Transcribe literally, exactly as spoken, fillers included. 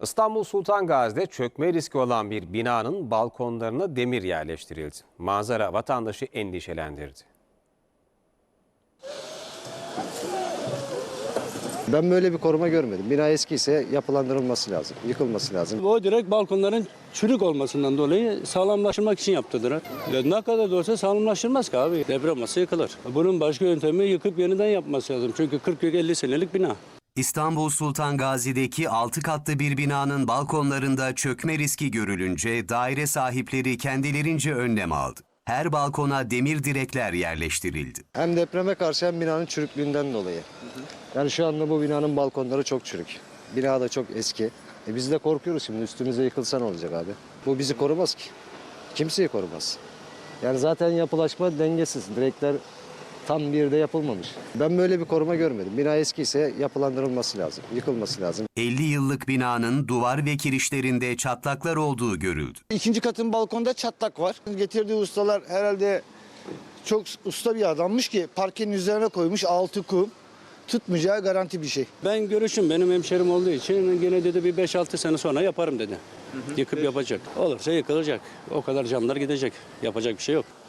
İstanbul Sultan Gazi'de çökme riski olan bir binanın balkonlarına demir yerleştirildi. Manzara vatandaşı endişelendirdi. Ben böyle bir koruma görmedim. Bina eskiyse yapılandırılması lazım, yıkılması lazım. O direkt balkonların çürük olmasından dolayı sağlamlaştırmak için yaptırdılar. Ya ne kadar da olsa sağlamlaştırmaz ki abi. Deprem olsa yıkılır. Bunun başka yöntemi yıkıp yeniden yapması lazım. Çünkü kırk elli senelik bina. İstanbul Sultan Gazi'deki altı katlı bir binanın balkonlarında çökme riski görülünce daire sahipleri kendilerince önlem aldı. Her balkona demir direkler yerleştirildi. Hem depreme karşı hem binanın çürüklüğünden dolayı. Yani şu anda bu binanın balkonları çok çürük. Bina da çok eski. E biz de korkuyoruz şimdi, üstümüze yıkılsa ne olacak abi? Bu bizi korumaz ki. Kimseyi korumaz. Yani zaten yapılaşma dengesiz. Direkler tam bir yerde yapılmamış. Ben böyle bir koruma görmedim. Bina eskiyse yapılandırılması lazım, yıkılması lazım. elli yıllık binanın duvar ve kirişlerinde çatlaklar olduğu görüldü. İkinci katın balkonda çatlak var. Getirdiği ustalar herhalde çok usta bir adammış ki parkenin üzerine koymuş, altı kum. Tutmayacağı garanti bir şey. Ben görüşüm benim hemşerim olduğu için gene dedi bir beş altı sene sonra yaparım dedi. Yıkıp yapacak. Olursa yıkılacak. O kadar camlar gidecek. Yapacak bir şey yok.